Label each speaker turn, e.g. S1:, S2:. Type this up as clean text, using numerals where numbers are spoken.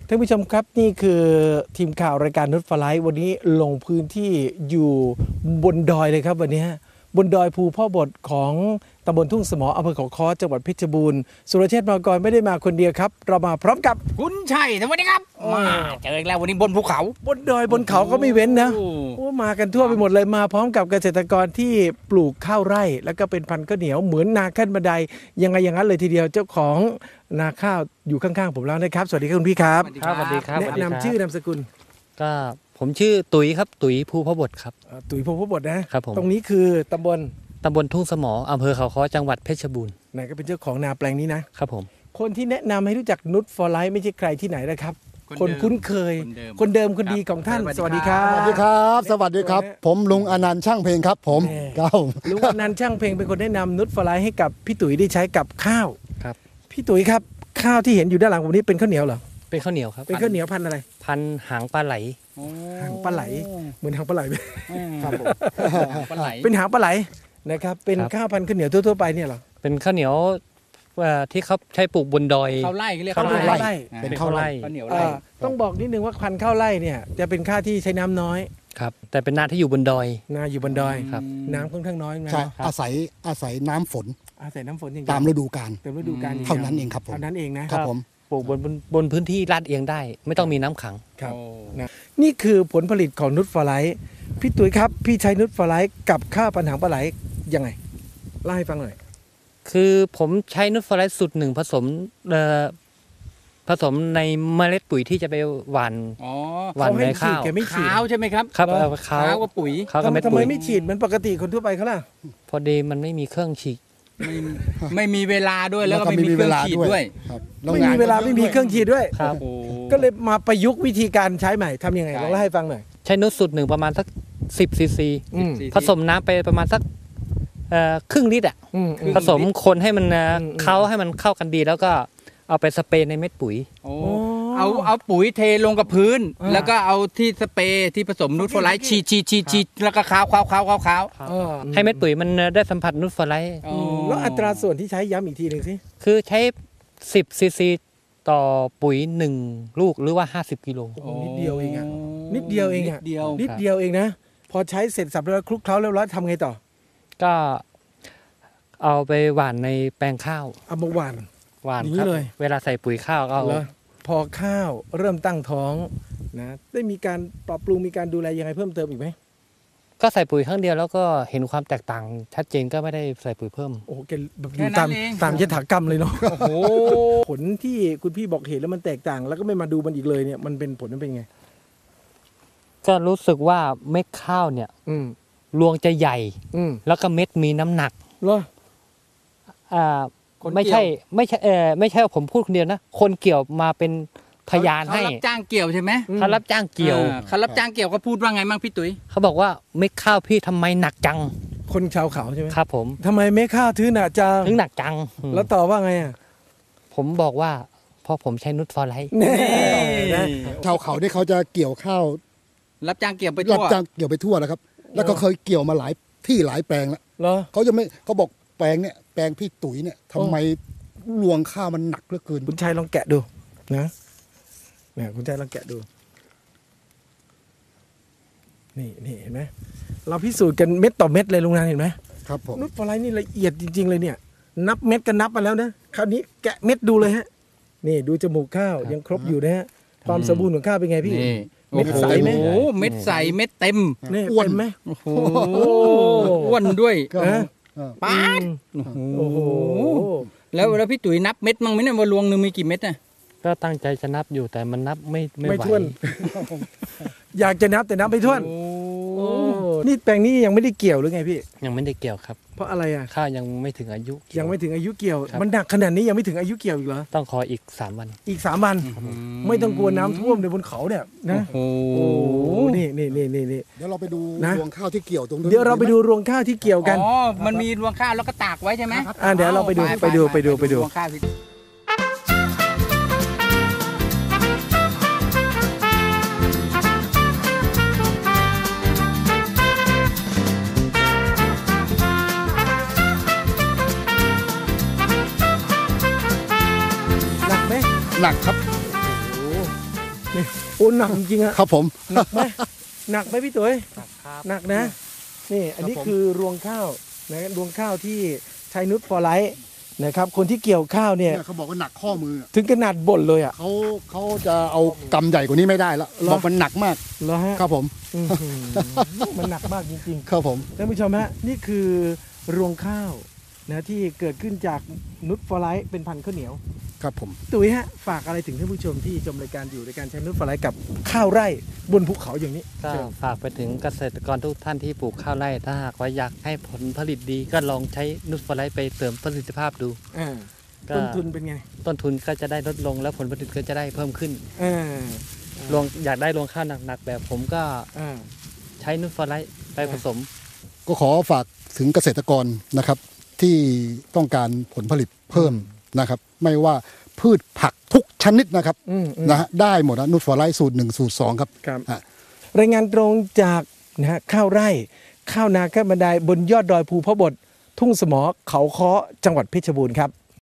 S1: ท่านผู้ชมครับนี่คือทีมข่าวรายการนุชฟลายวันนี้ลงพื้นที่อยู่บนดอยเลยครับวันนี้บนดอยภูพ่อบทของตำบลทุ่งสมออำเภอเขาค้อจังหวัดเพชรบูรณ์สุรเชษฐ์มากรไม่ได้มาคนเดียวครับเรามาพร้อมกับ
S2: คุณชัยสวัสดีครับมาเจออีกแล้ววันนี้บนภูเขา
S1: บนดอยบนเขาก็ไม่เว้นนะโอ้มากันทั่วไปหมดเลยมาพร้อมกับเกษตรกรที่ปลูกข้าวไร่แล้วก็เป็นพันธุ์ข้าวเหนียวเหมือนนาขั้นบันไดยังไงอย่างนั้นเลยทีเดียวเจ้าของนาข้าวอยู่ข้างๆผมแล้วนะครับสวัสดีครับคุณพี่ครับ
S3: ครับสวัสดีครับ
S1: แนะนำชื่อนามสกุล
S3: ก็ผมชื่อตุ๋ยครับตุ๋ยภูพบทครับ
S1: ตุ๋ยภูพบทนะครับ
S3: ผม
S1: ตรงนี้คือตำบล
S3: ทุ่งสมออำเภอเขาค้อจังหวัดเพชรบูรณ์
S1: ไหนก็เป็นเจ้าของนาแปลงนี้นะครับ
S3: ผม
S1: คนที่แนะนำให้รู้จักนุชฟอร์ไลท์ไม่ใช่ใครที่ไหนนะครับคนคุ้นเคยคนเดิมคนดีของท่านสวัสดีครับ
S4: สวัสดีครับสวัสดีครับผมลุงอนันต์ช่างเพลงครับผม
S1: ลุงอนันต์ช่างเพลงเป็นคนแนะนำนุชฟอร์ไลท์ให้กับพี่ตุ๋ยได้ใช้กับข้าว
S3: ครับ
S1: พี่ตุ๋ยครับข้าวที่เห็นอยู่ด้านหลังผมนี้เป็นข้าวเหนียวเหรอ
S3: เป็นข้าวเหนียวครับ
S1: เป็นข้าวเหนียวพันธุ์อะไร
S3: พันหางปลาไหล
S1: หางปลาไหลเหมือนหางปลาไหล
S3: ครับผม
S1: ปลาไหลเป็นหางปลาไหลนะครับเป็นข้าวพันธุ์ข้าวเหนียวทั่วๆไปเนี่ยเหรอ
S3: เป็นข้าวเหนียวที่เขาใช้ปลูกบนดอย
S2: ข้าวไร่เรียก
S1: ข้าวไร่
S3: เป็นข้าวไร่
S2: ข้าวเหนียวไร่
S1: ต้องบอกนิดนึงว่าพันธุ์ข้าวไร่เนี่ยจะเป็นข้าวที่ใช้น้ำน้อย
S3: ครับแต่เป็นนาที่อยู่บนดอย
S1: นาอยู่บนดอย
S3: ครับ
S1: น้ำค่อนข้างน้อย
S4: ใช่อาศัยน้ำฝน
S1: อาศัยน้ำฝนอย่าง
S4: ตามฤดูกาลเท่านั้นเองครับผม
S1: เท่านั้นเอง
S4: นะครับผม
S3: ปลูกบนพื้นที่ลาดเอียงได้ไม่ต้องมีน้ำขัง
S1: ครับนะนี่คือผลผลิตของนุชฟอร์ไลท์พี่ตุ๋ยครับพี่ใช้นุชฟอร์ไลท์กับข้าวพันธุ์หางปลาไหลยังไงเล่าให้ฟังหน่อย
S3: คือผมใช้นุชฟอร์ไลท์สูตรหนึ่งผสมในเมล็ดปุ๋ยที่จะไปหว่านในข้าว
S1: ขาว
S2: ใช่ไหมครับ
S3: ครับขาว
S2: กับปุ๋ย
S1: ทำไมไม่ฉีดเหมือนปกติคนทั่วไปเขาล่ะ
S3: พอดีมันไม่มีเครื่องฉีด
S2: ไม่มีเวลาด้วยแล้วก็ไม่มีเครื่องฉีดด้วย
S1: ไม่มีเวลาไม่มีเครื่องฉีดด้วยก็เลยมาประยุกต์วิธีการใช้ใหม่ทำยังไงลองเล่าให้ฟังหน่อย
S3: ใช้นุชสูตรหนึ่งประมาณสัก10 ซีซีผสมน้ำไปประมาณสักครึ่งลิตรผสมคนให้มันให้มันเข้ากันดีแล้วก็เอาไปสเปรย์ในเม็ดปุ๋ย
S2: เอาปุ๋ยเทลงกับพื้นแล้วก็เอาที่สเปรย์ที่ผสมนุชฟอร์ไลท์ฉีดแล้วก็ค้าว
S3: ให้เม็ดปุ๋ยมันได้สัมผัสนุชฟอร์ไลท์
S1: แล้วอัตราส่วนที่ใช้ย้ำอีกทีหนึ่งสิ
S3: คือใช้10 ซีซีต่อปุ๋ย1ลูกหรือว่า50 กิโล
S1: นิดเดียวเองอ่ะนิดเดียวเองนะพอใช้เสร็จสับแล้วคลุกเคล้าเรียบร้อยทำไงต่อ
S3: ก็เอาไปหว่านในแปลงข้าว
S1: เอามาหว่าน
S3: ครับเวลาใส่ปุ๋ยข้าวก็
S1: พอข้าวเริ่มตั้งท้องนะได้มีการปรับปรุงมีการดูแลยังไงเพิ่มเติมอีกไหม
S3: ก็ใส่ปุ๋ยครั้งเดียวแล้วก็เห็นความแตกต่างชัดเจนก็ไม่ได้ใส่ปุ๋ยเพิ่ม
S1: โอ้โหอยู่ตามยถากรรมเลยเนาะผลที่คุณพี่บอกเห็นแล้วมันแตกต่างแล้วก็ไม่มาดูมันอีกเลยเนี่ยมันเป็นผลมันเป็นไง
S3: ก็รู้สึกว่าเม็ดข้าวเนี่ยรวงจะใหญ่แล้วก็เม็ดมีน้ำหนัก
S1: เหรอ
S3: ไม่ใช่ผมพูดคนเดียวนะคนเกี่ยวมาเป็นพยานให้
S2: เขารับจ้างเกี่ยวใช่ไหม
S3: เขารับจ้างเกี่ยว
S2: เขาพูดว่าไงบ้างพี่ตุ๋ย
S3: เขาบอกว่าเม็ดข้าวพี่ทำไมหนักจัง
S1: คนชาวเขาใช่ไหม
S3: ครับผม
S1: ทำไมเม็ดข้าวถึงหนักจังแล้วต่อว่าไงอ่ะ
S3: ผมบอกว่าพอผมใช้นุชฟอร์ไลท์
S4: ชาวเขาที่เขาจะเกี่ยวข้าว
S2: รับจ้างเกี่ยวไปทั่ว
S4: นะครับแล้วก็เคยเกี่ยวมาหลายที่หลายแปลงแล้วเขาบอกแปลงพี่ตุ๋ยเนี่ยทำไมรวงข้าวมันหนักเหลือเกิน
S1: คุณชัยลองแกะดูนะเนี่ยคุณชัยลองแกะดูนี่เห็นไหมเราพิสูจน์กันเม็ดต่อเม็ดเลยลุงนันเห็นไหม
S4: ครับผม
S1: นุชฟอร์ไลท์นี่ละเอียดจริงๆเลยเนี่ยนับเม็ดกันนับมาแล้วนะคราวนี้แกะเม็ดดูเลยฮะนี่ดูจมูกข้าวยังครบอยู่นะฮะความสมบูรณ์ของข้าวเป็นไงพี่
S2: เม็ดใสไหมเม็ดใสเม็ดเต็ม
S1: อ้วนไหม
S2: โอ้โหอ้วนด้วยป๊าด
S1: โอ้โห
S2: แล้วพี่ตุ๋ยนับเม็ดมั้งไหมเนี่ยว่ารวงนึงมีกี่เม็ดน่ะ
S3: ก็ตั้งใจจะนับอยู่แต่มันนับไม่
S1: ถ้วนอยากจะนับแต่นับไม่ถ้วนนี่แปลงนี้ยังไม่ได้เกี่ยวหรือไงพี่
S3: ยังไม่ได้เกี่ยวครับ
S1: เพราะอะไรอ่ะ
S3: ข้าวยังไม่ถึงอายุ
S1: ยังไม่ถึงอายุเกี่ยวมันหนักขนาดนี้ยังไม่ถึงอายุเกี่ยวอีกเหรอ
S3: ต้องขออีก3 วัน
S1: อีก3 วันไม่ต้องกลัวน้ำท่วมในบนเขาเนี่ยนะโอ้โหนี่
S4: เดี๋ยวเราไปดูรวงข้าวที่เกี่ยวตรงนี้
S1: เดี๋ยวเราไปดูรวงข้าวที่เกี่ยวกัน
S2: อ๋อมันมีรวงข้าวแล้วก็ตากไว้ใช่ไหม
S1: เดี๋ยวเราไปดูรวงข้าว
S4: หนักครับ
S1: โอ้หนักจริงๆอะ
S4: ครับผม
S1: หนักไหมหนักไหมพี่ตุ๋ย
S3: ครับ
S1: หนักนะนี่อันนี้
S4: ครับผม
S1: คือรวงข้าวนะรวงข้าวที่ใช้นุชฟอร์ไลท์นะครับคนที่เกี่ยวข้าวเนี่ย
S4: เนี่ยเขาบอกว่าหนักข้อมือ
S1: ถึงขนาดบ่นเลยอ่ะ
S4: เขาจะเอากำใหญ่กว่านี้ไม่ได้แล้ว
S1: เหรอ
S4: บอกมันหนักมาก
S1: แล้วฮะ
S4: ครับผม
S1: อื้อหือมันหนักมากจริง
S4: ครับผม
S1: ๆท่านผู้ชมฮะนี่คือรวงข้าวนะที่เกิดขึ้นจากนุชฟอร์ไลท์เป็นพันธุ์ข้าวเหนียว
S4: ครับผม
S1: ตุ๋ยฮะฝากอะไรถึงท่านผู้ชมที่ชมรายการอยู่ในการใช้นุชฟอร์ไลท์กับข้าวไร่บนภูเขาอย่างนี้
S3: ก็
S1: เชิญ
S3: ฝากไปถึงเกษตรกรทุกท่านที่ปลูกข้าวไร่ถ้าหากว่าอยากให้ผลผลิตดีก็ลองใช้นุชฟอร์ไลท์ไปเสริมประสิทธิภาพดู
S1: อ่า
S3: ก็
S1: ต้นทุนเป็นไง
S3: ต้นทุนก็จะได้ลดลงแล้วผลผลิตก็จะได้เพิ่มขึ้น
S1: อ่า
S3: อยากได้รวงข้าวหนักๆแบบผมก็
S1: อ่า
S3: ใช้นุชฟอร์ไลท์ไปผสม
S4: ก็ขอฝากถึงเกษตรกรนะครับ ที่ต้องการผลผลิตเพิ่มนะครับ ไม่ว่าพืชผักทุกชนิดนะครับ นะฮะได้หมดนะนูตฟอร์ไลท์สูตร 1 สูตร 2 ครับ
S1: ครับ
S4: อ่ะ
S1: รายงานตรงจากนะฮะข้าวไร่ ข้าวนาข้าวบันไดบนยอดดอยภูพระบท ทุ่งสมอเขาค้อจังหวัดเพชรบูรณ์ครับ